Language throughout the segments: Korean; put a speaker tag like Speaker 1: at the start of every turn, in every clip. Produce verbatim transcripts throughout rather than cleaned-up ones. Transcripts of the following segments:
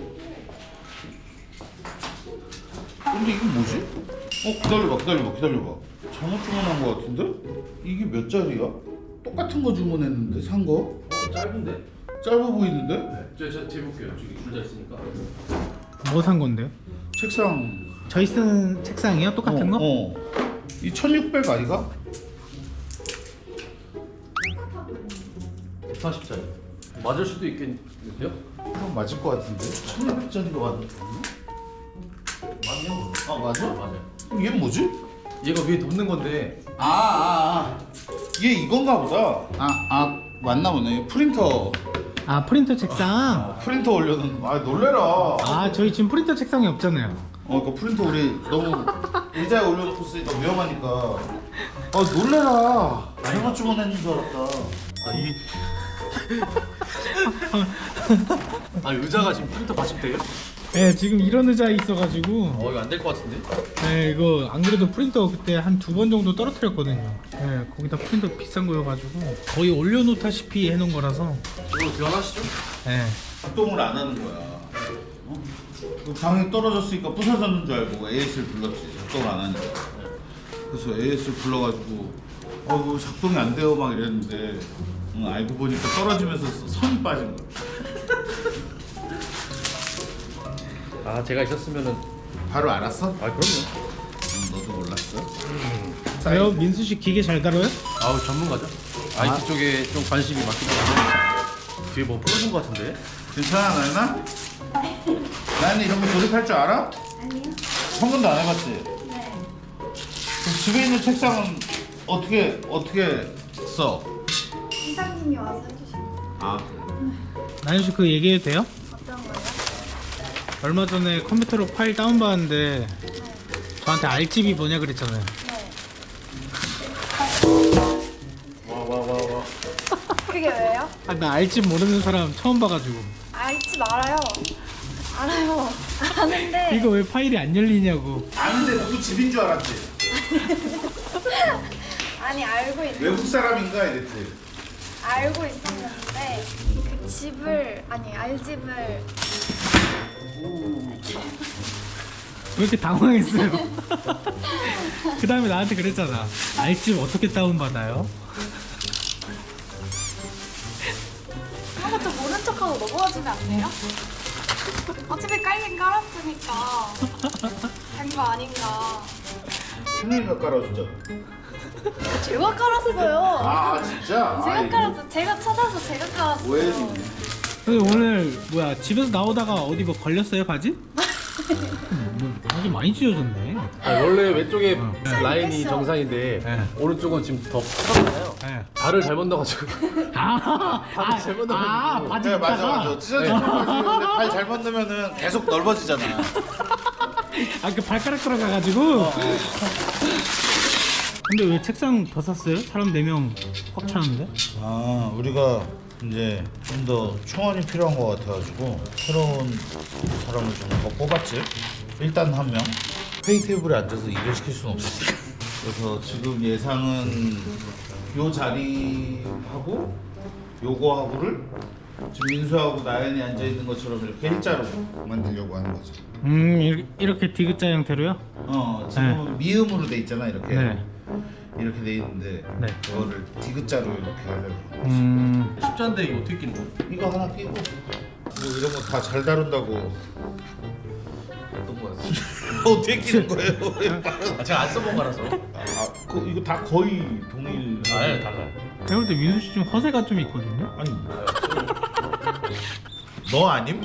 Speaker 1: 근데 이건 뭐지? 어 기다려봐 기다려봐 기다려봐 잘못 주문한 거 같은데? 이게 몇 짜리야? 똑같은 거 주문했는데 산 거?
Speaker 2: 어, 짧은데?
Speaker 1: 짧아 보이는데?
Speaker 2: 네. 저, 저 재볼게요. 저기 줄자 있으니까.
Speaker 3: 뭐 산 건데요?
Speaker 1: 책상
Speaker 3: 저희 쓰는 책상이요? 똑같은
Speaker 1: 어,
Speaker 3: 거?
Speaker 1: 어. 이 천육백 아이가?
Speaker 2: 백사십 짜리. 맞을 수도 있겠는데요?
Speaker 1: 그럼 맞을 것 같은데? 천육백 짜리가 맞는
Speaker 2: 맞네요.
Speaker 1: 아 맞아?
Speaker 2: 맞아요.
Speaker 1: 그럼 얘는 뭐지?
Speaker 2: 얘가 위에 덮는 건데.
Speaker 1: 아, 아, 아. 얘 이건가 보다. 아, 아, 맞나 보네. 프린터.
Speaker 3: 아 프린터 책상?
Speaker 1: 아, 프린터 올려놓는 거. 아, 놀래라.
Speaker 3: 아 저희 지금 프린터 책상이 없잖아요.
Speaker 1: 어, 그 프린터 우리 너무 의자에 올려놓고 쓰니까 위험하니까. 아, 놀래라. 잘못 주문했는 줄 알았다.
Speaker 2: 아, 이. 아, 의자가 지금 프린터 받침대예요?
Speaker 3: 네 지금 이런 의자 있어가지고
Speaker 2: 어, 이거 안 될 것 같은데?
Speaker 3: 네 이거 안 그래도 프린터 그때 한 두 번 정도 떨어뜨렸거든요. 네 거기다 프린터 비싼 거여가지고 거의 올려놓다시피 해놓은 거라서.
Speaker 2: 이걸로 교환하시죠?
Speaker 3: 네.
Speaker 1: 작동을 안 하는 거야. 어? 그 방이 떨어졌으니까 부서졌는 줄 알고 에이에스를 불렀지. 작동을 안 하니까. 그래서 에이에스를 불러가지고 어, 이거 작동이 안 돼요 막 이랬는데 응, 알고 보니까 떨어지면서 선이 빠진 거야.
Speaker 2: 아, 제가 있었으면은.
Speaker 1: 바로 알았어?
Speaker 2: 아, 그럼요.
Speaker 1: 응, 너도 몰랐어?
Speaker 3: 왜요? 민수 씨 기계 잘 다뤄요?
Speaker 2: 아우, 전문가죠? 아이티 쪽에 좀 관심이 많기 때문에. 뒤에 뭐 부러진 것 같은데?
Speaker 1: 괜찮아 나연아? 나연이 이런 거 조립할 줄 알아?
Speaker 4: 아니요.
Speaker 1: 한 번도 안 해봤지?
Speaker 4: 네.
Speaker 1: 그럼 집에 있는 책상은 어떻게 어떻게 써?
Speaker 4: 이사님이 와서 해주신 거.
Speaker 1: 아
Speaker 3: 나연 씨 그 얘기해도 돼요?
Speaker 4: 어떤 거요?
Speaker 3: 얼마 전에 컴퓨터로 파일 다운받았는데
Speaker 4: 네.
Speaker 3: 저한테 알집이 뭐냐 그랬잖아요.
Speaker 4: 네.
Speaker 2: 와, 와, 와, 와.
Speaker 4: 그게 왜요?
Speaker 3: 아, 나 알집 모르는 사람 처음 봐가지고
Speaker 4: 알지 말아요. 알아요. 아는데.
Speaker 3: 이거 왜 파일이 안 열리냐고.
Speaker 1: 아는데 누구 집인 줄 알았지?
Speaker 4: 아니 알고 있.
Speaker 1: 외국 사람인가 이랬지?
Speaker 4: 알고 있었는데 그 집을 아니 알집을
Speaker 3: 왜 이렇게 당황했어요? 그 다음에 나한테 그랬잖아. 알집 어떻게 다운받아요?
Speaker 4: 아무것도 모른 척하고 넘어가주면 안 돼요? 어차피 깔긴 깔았으니까 된 거 아닌가.
Speaker 1: 신우이가 깔아줬잖아.
Speaker 4: 제가 깔았어요.
Speaker 1: 아 진짜?
Speaker 4: 제가
Speaker 1: 아이,
Speaker 4: 깔았어. 제가 찾아서 제가 깔았어요.
Speaker 1: 오해했네.
Speaker 3: 근데 오늘 뭐야 집에서 나오다가 어디 뭐 걸렸어요 바지? 음, 뭐 바지 많이 찢어졌네.
Speaker 2: 아, 원래 왼쪽에
Speaker 3: 어.
Speaker 2: 라인이
Speaker 4: 됐어.
Speaker 2: 정상인데
Speaker 3: 네.
Speaker 2: 오른쪽은 지금 더 커졌잖아요.
Speaker 3: 네.
Speaker 2: 발을 잘못 넣어가지고.
Speaker 3: 아, 아,
Speaker 2: 잘못
Speaker 3: 아,
Speaker 2: 넣어가지고.
Speaker 3: 바지
Speaker 1: 네 맞아
Speaker 3: 입다가
Speaker 1: 맞아. 찢어지는 거지. 근데 발 잘못 넣으면은 계속 넓어지잖아.
Speaker 3: 아, 그 발가락 들어가가지고. 근데 왜 책상 더 샀어요? 사람 네 명 꽉 차는데?
Speaker 1: 아 우리가 이제 좀 더 총알이 필요한 것 같아가지고 새로운 사람을 좀 더 뽑았지. 일단 한 명. 회의 테이블에 앉아서 일을 시킬 수는 없었어. 그래서 지금 예상은 요 자리하고 요거하고를 지금 민수하고 나연이 앉아 있는 것처럼 이렇게 일자로 만들려고 하는 거지.
Speaker 3: 음, 이렇게, 이렇게 디귿자 형태로요?
Speaker 1: 어 지금 미음으로 돼 있잖아 이렇게.
Speaker 3: 네.
Speaker 1: 이렇게 돼 있는데
Speaker 3: 네.
Speaker 1: 그거를 디귿자로 이렇게 하려고.
Speaker 3: 음,
Speaker 2: 쉽지 않은데 이거 어떻게 끼는 거야?
Speaker 1: 이거 하나 끼고 뭐 이런 거 다 잘 다룬다고.
Speaker 2: 어떤 거야?
Speaker 1: 어떻게 끼는 거예요?
Speaker 2: 아, 제가 안 써본 거라서.
Speaker 1: 아, 그, 이거 다 거의 동일.
Speaker 2: 아, 달라요.
Speaker 3: 제가 볼 때 민수 씨 좀 허세가 좀 있거든요?
Speaker 1: 아니 너 아님?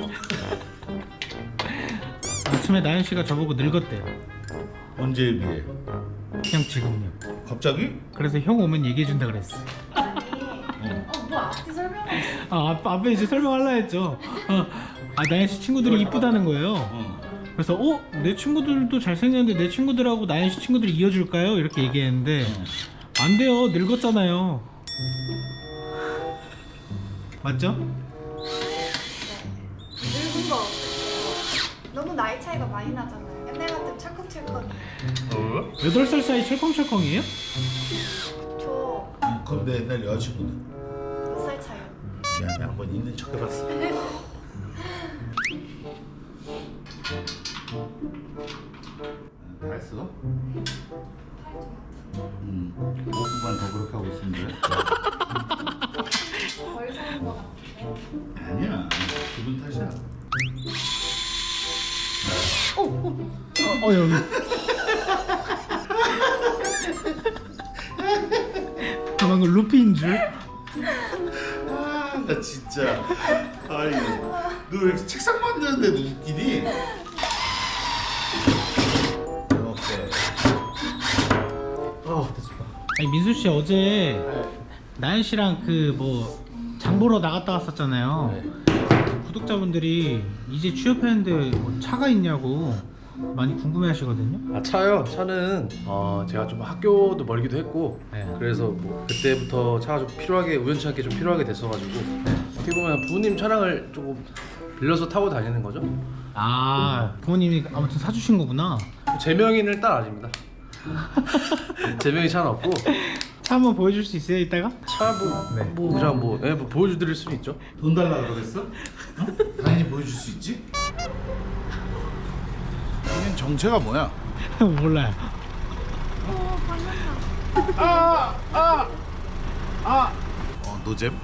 Speaker 3: 아침에 나연 씨가 저보고 늙었대요.
Speaker 1: 언제에 비해?
Speaker 3: 그냥 지금요.
Speaker 1: 갑자기?
Speaker 3: 그래서 형 오면 얘기해준다 그랬어.
Speaker 4: 아니. 어뭐 앞뒤 설명하지?
Speaker 3: 아, 앞, 앞에 이제 설명하려 했죠. 어, 아, 나연 씨 친구들이 이쁘다는 거예요.
Speaker 1: 어.
Speaker 3: 그래서 어? 내 친구들도 잘생겼는데 내 친구들하고 나연 씨 친구들이 이어줄까요? 이렇게 얘기했는데 안 돼요. 늙었잖아요. 맞죠?
Speaker 4: 늙은 거 너무 나이 차이가 많이 나잖아요. 옛날 같으면 철컹철컹.
Speaker 2: 어?
Speaker 3: 여덟 살 사이 철컹철컹이에요?
Speaker 4: 저
Speaker 1: 그럼 내 옛날 여자친구는?
Speaker 4: 몇 살 차이요?
Speaker 1: 미안해 한번 있는 척 해봤어. 기분 탓이야.
Speaker 3: 어 여기. 아, 방금 루피인 줄.
Speaker 1: 아, 나 진짜. 아이, 너 왜 이렇게 책상 만드는데 너 웃기니? 오케이.
Speaker 2: 어 됐습니다.
Speaker 3: 아니 민수 씨 어제 나연 씨랑 그 뭐 장보러 나갔다 왔었잖아요.
Speaker 2: 네.
Speaker 3: 구독자분들이 이제 취업했는데 뭐 차가 있냐고 많이 궁금해하시거든요.
Speaker 2: 아 차요? 차는 어 제가 좀 학교도 멀기도 했고
Speaker 3: 네.
Speaker 2: 그래서 뭐 그때부터 차가 좀 필요하게 우연치 않게 좀 필요하게 됐어가지고 어떻게 보면 부모님 차량을 조금 빌려서 타고 다니는 거죠.
Speaker 3: 아 부모님이 아무튼 사주신 거구나.
Speaker 2: 제 명의는 일단 아닙니다. 제 명의 차는 없고
Speaker 3: 차 한번 보여줄 수 있어요 이따가?
Speaker 2: 차뭐
Speaker 3: 네.
Speaker 2: 뭐 그냥 뭐, 예, 뭐 보여드릴 수는 있죠.
Speaker 1: 돈 달라 그러겠어? 어? 당연히 보여줄 수 있지? 얘는 정체가 뭐야?
Speaker 3: 몰라요.
Speaker 4: 오 방금
Speaker 1: 아! 아! 아! 어, 노잼?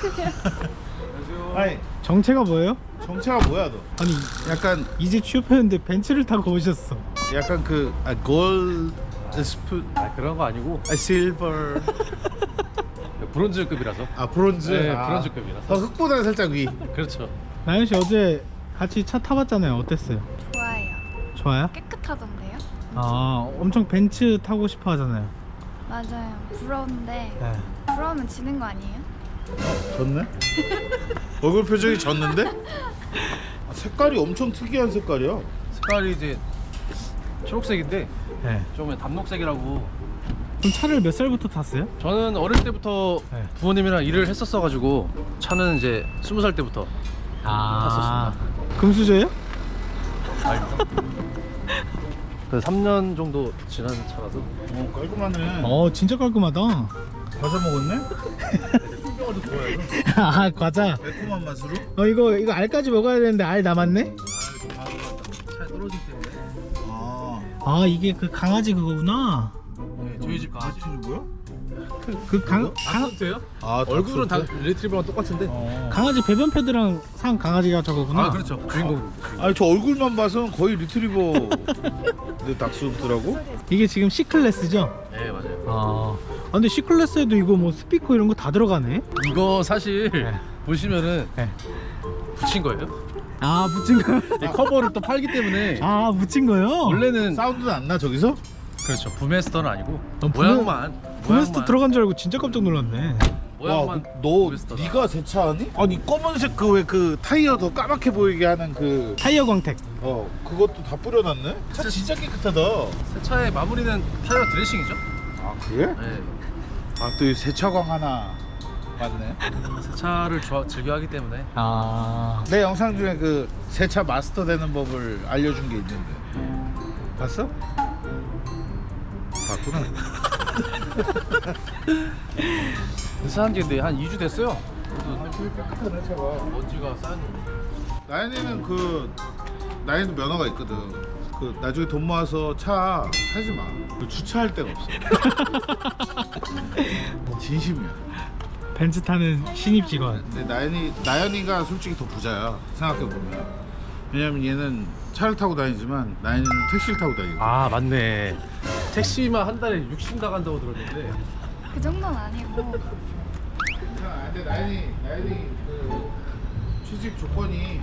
Speaker 1: 아니,
Speaker 3: 정체가 뭐예요?
Speaker 1: 정체가 뭐야 너?
Speaker 3: 아니
Speaker 1: 약간
Speaker 3: 이제 취업했는데 벤츠를 타고 오셨어.
Speaker 1: 약간 그 아, 골드 스푼,
Speaker 2: 아 그런 거 아니고
Speaker 1: 아, 실버,
Speaker 2: 브론즈급이라서.
Speaker 1: 아 브론즈,
Speaker 2: 네,
Speaker 1: 아,
Speaker 2: 브론즈급이라서.
Speaker 1: 더 흑보다는 살짝 위.
Speaker 2: 그렇죠.
Speaker 3: 나연 씨 어제 같이 차 타봤잖아요. 어땠어요?
Speaker 4: 좋아요.
Speaker 3: 좋아요?
Speaker 4: 깨끗하던데요?
Speaker 3: 아 엄청 벤츠 타고 싶어 하잖아요.
Speaker 4: 맞아요. 부러운데
Speaker 3: 네.
Speaker 4: 부러우면 지는 거 아니에요?
Speaker 1: 졌네? 얼굴 표정이 졌는데? 아, 색깔이 엄청 특이한 색깔이야.
Speaker 2: 색깔이 이제 초록색인데
Speaker 3: 네.
Speaker 2: 좀 담록색이라고.
Speaker 3: 그럼 차를 몇 살부터 탔어요?
Speaker 2: 저는 어릴 때부터
Speaker 3: 네.
Speaker 2: 부모님이랑 일을 했었어가지고 차는 이제 스무 살 때부터
Speaker 3: 아 금수저예요?
Speaker 2: 아닙니다. 그 삼 년 정도 지난 차라서.
Speaker 1: 어, 깔끔하네.
Speaker 3: 어 진짜 깔끔하다.
Speaker 1: 과자 먹었네?
Speaker 2: 신경도 좋아해서.
Speaker 3: 아 과자.
Speaker 1: 매콤한 맛으로?
Speaker 3: 어 이거 이거 알까지 먹어야 되는데 알 남았네?
Speaker 2: 차에 떨어지기 때문에.
Speaker 1: 아,
Speaker 3: 아 이게 그 강아지 그거구나.
Speaker 2: 네, 저희 집 강아지.
Speaker 1: 뭐야?
Speaker 3: 그 강,
Speaker 2: 아,
Speaker 3: 강
Speaker 2: 닥스예요?
Speaker 1: 아,
Speaker 2: 얼굴은 다
Speaker 1: 닥스인데?
Speaker 2: 리트리버랑 똑같은데.
Speaker 1: 어.
Speaker 3: 강아지 배변 패드랑 산 강아지가 저거구나.
Speaker 2: 아 그렇죠. 주인공.
Speaker 1: 아니 저 얼굴만 봐서는 거의 리트리버 내 닥스더라고?
Speaker 3: 이게 지금 C 클래스죠?
Speaker 2: 네 맞아요.
Speaker 3: 아, 아 근데 C 클래스에도 이거 뭐 스피커 이런 거 다 들어가네.
Speaker 2: 이거 사실
Speaker 3: 네.
Speaker 2: 보시면은
Speaker 3: 네.
Speaker 2: 붙인 거예요.
Speaker 3: 아 붙인 거.
Speaker 2: 이 커버를 또 팔기 때문에
Speaker 3: 아 붙인 거요?
Speaker 2: 원래는
Speaker 1: 사운드는 안 나 저기서?
Speaker 2: 그렇죠. 부메스터는 아니고
Speaker 3: 어, 부메-
Speaker 2: 모양만.
Speaker 3: 부메스터
Speaker 2: 모양만.
Speaker 3: 들어간 줄 알고 진짜 깜짝 놀랐네.
Speaker 2: 모양만.
Speaker 1: 와, 너
Speaker 2: 부메스터다.
Speaker 1: 네가 새 차 하니? 아니 검은색 그 왜 그 타이어 더 까맣게 보이게 하는 그
Speaker 3: 타이어 광택.
Speaker 1: 어 그것도 다 뿌려놨네? 차 진짜 깨끗하다.
Speaker 2: 새 차의 마무리는 타이어 드레싱이죠.
Speaker 1: 아 그래?
Speaker 2: 네.
Speaker 1: 아또 이 세차광 하나 맞네.
Speaker 2: 새 차를 좋아, 즐겨하기 때문에.
Speaker 3: 아,
Speaker 1: 내 영상 중에 그 세차 마스터 되는 법을 알려준 게 있는데 봤어? 봤구나.
Speaker 2: 산지 근데 한 이 주 됐어요.
Speaker 1: 깨끗하네 차가.
Speaker 2: 먼지가 쌓였는데.
Speaker 1: 나연이는 그 나연이도 면허가 있거든. 그 나중에 돈 모아서 차 사지 마. 그 주차할 데가 없어. 진심이야.
Speaker 3: 벤츠 타는 신입 직원.
Speaker 1: 근데 나연이 나연이가 솔직히 더 부자야. 생각해 보면. 왜냐면 얘는 차를 타고 다니지만 나연이는 택시를 타고 다니고.
Speaker 2: 아 맞네. 택시만 한 달에 육십 나간다고 들었는데.
Speaker 4: 그 정도는 아니고
Speaker 1: 아, 근데 나연이 나연이 그 취직 조건이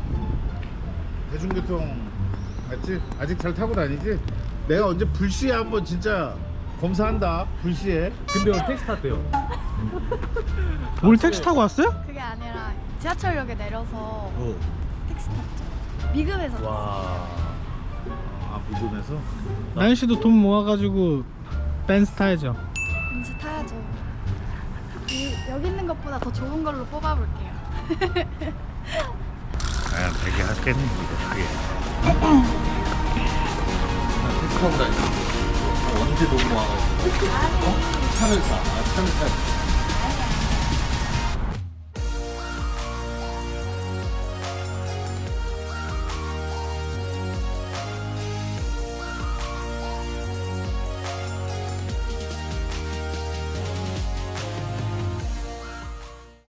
Speaker 1: 대중교통 맞지? 아직 잘 타고 다니지? 내가 언제 불시에 한번 진짜 검사한다. 불시에.
Speaker 2: 근데 오늘 택시 탔대요.
Speaker 3: 오늘 택시 타고 왔어요?
Speaker 4: 그게 아니라 지하철역에 내려서
Speaker 1: 어.
Speaker 4: 택시 탔죠. 미급에서 탔어요.
Speaker 2: 와.
Speaker 1: 아 미국에서?
Speaker 3: 나연 씨도 돈 모아가지고 벤츠 타야죠.
Speaker 4: 벤츠 타야죠. 이, 여기 있는 것보다 더 좋은 걸로 뽑아볼게요.
Speaker 1: 아 되게 하겠네 이거 되게.
Speaker 2: 택시 타고 다니는 언제 너무 와가지고.
Speaker 4: 아니
Speaker 2: 차를 사. 아, 차를 사.